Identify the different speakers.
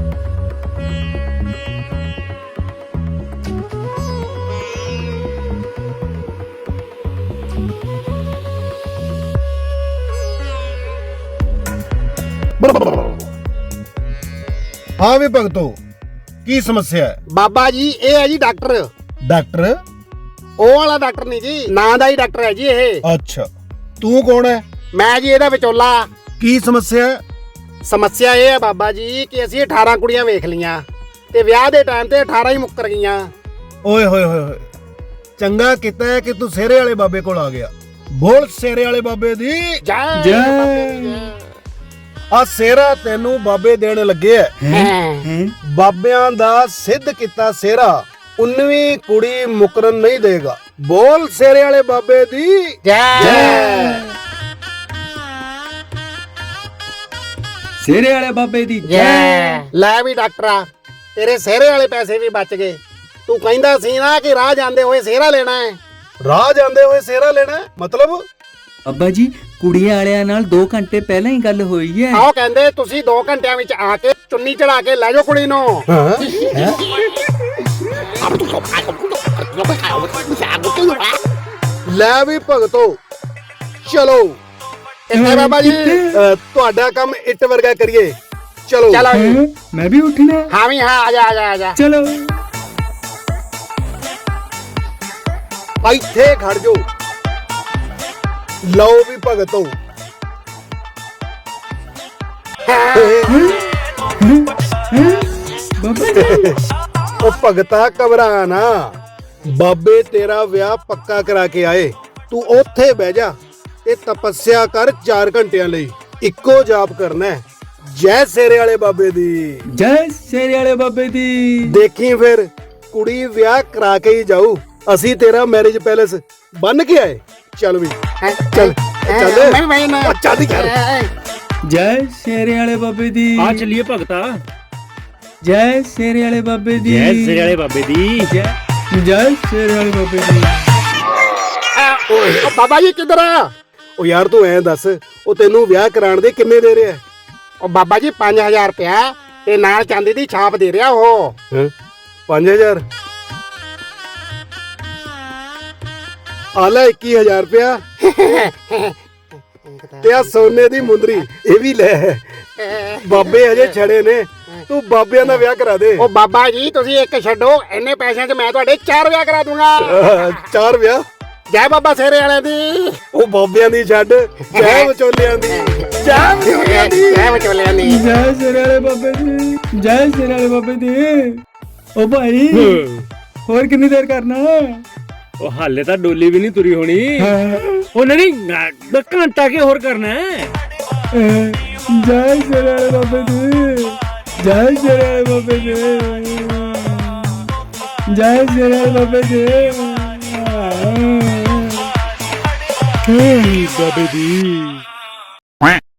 Speaker 1: हाँ भी भगतो की समस्या है?
Speaker 2: बाबा जी ये है जी डॉक्टर
Speaker 1: डॉक्टर?
Speaker 2: ओ वाला डॉक्टर नहीं जी ना दा ही डॉक्टर है जी ये
Speaker 1: अच्छा तू कौन है?
Speaker 2: मैं जी ਇਹਦਾ ਵਿਚੋਲਾ
Speaker 1: की समस्या है?
Speaker 2: ਸਮੱਸਿਆ ਇਹ ਹੈ ਬਾਬਾ ਜੀ ਕਿ ਅਸੀਂ 18 ਕੁੜੀਆਂ ਵੇਖ ਲੀਆਂ ਤੇ ਵਿਆਹ ਦੇ ਟਾਈਮ ਤੇ 18 ਹੀ ਮੁੱਕਰ ਗਈਆਂ।
Speaker 1: ओए होए होए होए चंगा किता है कि तू सेरे वाले बाबे कोल आ गया। बोल सेरे वाले बाबे दी
Speaker 2: ਜੈ
Speaker 3: ਜੈ।
Speaker 1: आ सेरा तेनू बाबे देण लगे है। बाबियां दा सिद्ध किता सेरा 19ਵੀਂ कुड़ी मुकरन नहीं देगा। बोल सेरे वाले बाबे दी
Speaker 2: ਜੈ
Speaker 3: ਸ਼ੇਰੇ ਵਾਲੇ ਬਾਬੇ ਦੀ
Speaker 2: ਜੈ। ਲੈ ਵੀ ਡਾਕਟਰਾ ਤੇਰੇ ਸਿਹਰੇ ਵਾਲੇ ਪੈਸੇ ਵੀ ਬਚ ਗਏ। ਤੂੰ ਕਹਿੰਦਾ ਸੀ ਨਾ ਕਿ ਰਾਹ ਜਾਂਦੇ ਹੋਏ ਸਿਹਰਾ ਲੈਣਾ ਹੈ।
Speaker 1: राह जांदे होए सेरा लेना है? मतलब
Speaker 3: ਅੱਬਾ ਜੀ ਕੁੜੀਆਂ ਵਾਲਿਆਂ ਨਾਲ 2 ਘੰਟੇ ਪਹਿਲਾਂ ਹੀ ਗੱਲ ਹੋਈ ਹੈ।
Speaker 2: ਆਓ ਕਹਿੰਦੇ ਤੁਸੀਂ 2 ਘੰਟਿਆਂ ਵਿੱਚ ਆ ਕੇ ਚੁੰਨੀ ਚੜਾ ਕੇ ਲੈ ਜਾਓ ਕੁੜੀ ਨੂੰ।
Speaker 1: ਲੈ ਵੀ ਭਗਤੋ ਚਲੋ
Speaker 2: ਕਿੱਥੇ ਬਾਬਾ ਜੀ?
Speaker 1: ਤੁਹਾਡਾ ਕੰਮ ਇੱਟ ਵਰਗਾ ਕਰੀਏ। ਚਲੋ
Speaker 2: ਚਲੋ ਜੀ।
Speaker 3: ਹੈਂ? ਮੈਂ ਵੀ ਉੱਠਣਾ।
Speaker 2: ਹਾਂ ਵੀ ਹਾਂ ਆ ਜਾ ਆ ਜਾ ਆ ਜਾ।
Speaker 3: ਚਲੋ
Speaker 1: ਇੱਥੇ ਖੜ ਜਾਓ। ਲਓ ਵੀ ਭਗਤੋ
Speaker 3: ਬਾਬਾ
Speaker 1: ਉਹ ਭਗਤਾ ਘਬਰਾ ਨਾ। ਬਾਬੇ ਤੇਰਾ ਵਿਆਹ ਪੱਕਾ ਕਰਾ ਕੇ ਆਏ। ਤੂੰ ਉੱਥੇ ਬਹਿ ਜਾ ਤੇ ਤਪੱਸਿਆ ਕਰ 4 ਘੰਟਿਆਂ ਲਈ। ਇੱਕੋ ਜਾਪ ਕਰਨਾ ਹੈ, ਜੈ ਸੇਰੇ ਵਾਲੇ ਬਾਬੇ ਦੀ।
Speaker 3: ਜੈ ਸ਼ੇਰੇ ਵਾਲੇ ਬਾਬੇ ਦੀ।
Speaker 1: ਦੇਖੀ ਫਿਰ ਕੁੜੀ ਵਿਆਹ ਕਰਾ ਕੇ ਹੀ ਜਾਊ। ਅਸੀਂ ਤੇਰਾ ਮੈਰਿਜ ਪੈਲੇਸ ਬੰਨ ਕੇ ਆਏ। ਚੱਲ ਵੀ
Speaker 2: ਹੈਂ?
Speaker 1: ਚੱਲ ਚੱਲ
Speaker 2: ਮੈਂ ਮੈਂ ਨਾ
Speaker 1: ਉਹ ਚੱਲ ਯਾਰ।
Speaker 3: ਜੈ ਸ਼ੇਰੇ ਵਾਲੇ ਬਾਬੇ ਦੀ।
Speaker 4: ਆ ਚੱਲੀਏ ਭਗਤਾ।
Speaker 3: ਜੈ ਸ਼ੇਰੇ ਵਾਲੇ ਬਾਬੇ ਦੀ।
Speaker 4: ਜੈ ਸਿਰੇ ਵਾਲੇ ਬਾਬੇ ਦੀ।
Speaker 3: ਜੈ ਸ਼ੇਰੇ ਵਾਲੇ ਬਾਬੇ ਦੀ।
Speaker 2: ਉਹ ਬਾਬਾ ਜੀ ਕਿੱਧਰ ਆ?
Speaker 1: ਉਹ ਯਾਰ ਤੂੰ ਐਂ ਦੱਸ, ਉਹ ਤੈਨੂੰ ਵਿਆਹ ਕਰਾਉਣ ਦੇ ਕਿੰਨੇ ਦੇ ਰਿਹਾ?
Speaker 2: ਉਹ ਬਾਬਾ ਜੀ 5000 ਰੁਪਇਆ ਤੇ ਨਾਲ ਚਾਂਦੀ ਦੀ ਛਾਪ ਦੇ ਰਿਹਾ ਉਹ।
Speaker 1: 5000 ਆ ਲੈ 21000 ਰੁਪਇਆ ਤੇ ਆ ਸੋਨੇ ਦੀ ਮੁੰਦਰੀ ਇਹ ਵੀ ਲੈ। ਬਾਬੇ ਹਜੇ ਛੜੇ ਨੇ, ਤੂੰ ਬਾਬਿਆਂ ਦਾ ਵਿਆਹ ਕਰਾ ਦੇ।
Speaker 2: ਉਹ ਬਾਬਾ ਜੀ ਤੁਸੀਂ ਇੱਕ ਛੱਡੋ, ਇੰਨੇ ਪੈਸਿਆਂ 'ਚ ਮੈਂ ਤੁਹਾਡੇ 4 ਵਿਆਹ ਕਰਾ ਦੂੰਗਾ।
Speaker 1: 4 ਵਿਆਹ?
Speaker 2: ਜੈ ਬਾਬਾ ਸਿਹਰੇ ਵਾਲਿਆਂ ਦੀ।
Speaker 1: ਉਹ ਬਾਬਿਆਂ ਦੀ ਛੱਡ, ਜੈ ਵਿਚੋਲਿਆਂ ਦੀ। ਜੈ ਵਿਚੋਲਿਆਂ ਦੀ।
Speaker 2: ਜੈ ਵਿਚੋਲਿਆਂ ਦੀ।
Speaker 3: ਜੈ ਸ਼ੇਰੇ ਵਾਲੇ ਬਾਬੇ ਦੀ। ਜੈ ਸ਼ੇਰੇ ਵਾਲੇ ਬਾਬੇ ਦੀ। ਓ ਭਾਈ ਹੋਰ ਕਿੰਨੀ ਦੇਰ ਕਰਨਾ?
Speaker 4: ਉਹ ਹਾਲੇ ਤਾਂ ਡੋਲੀ ਵੀ ਨਹੀਂ ਤੁਰੀ ਹੋਣੀ। ਉਹ ਨਹੀਂ ਘੰਟਾ ਕੇ ਹੋਰ ਕਰਨਾ ਹੈ।
Speaker 3: ਜੈ ਸ਼ੇਰੇ ਵਾਲੇ ਬਾਬੇ ਦੀ। ਜੈ ਸ਼ੇਰੇ ਵਾਲੇ ਬਾਬੇ ਦੀ। ਜੈ ਸ਼ੇਰੇ ਵਾਲੇ ਬਾਬੇ ਦੀ।
Speaker 4: ਬਾਬੇ ਦੀ।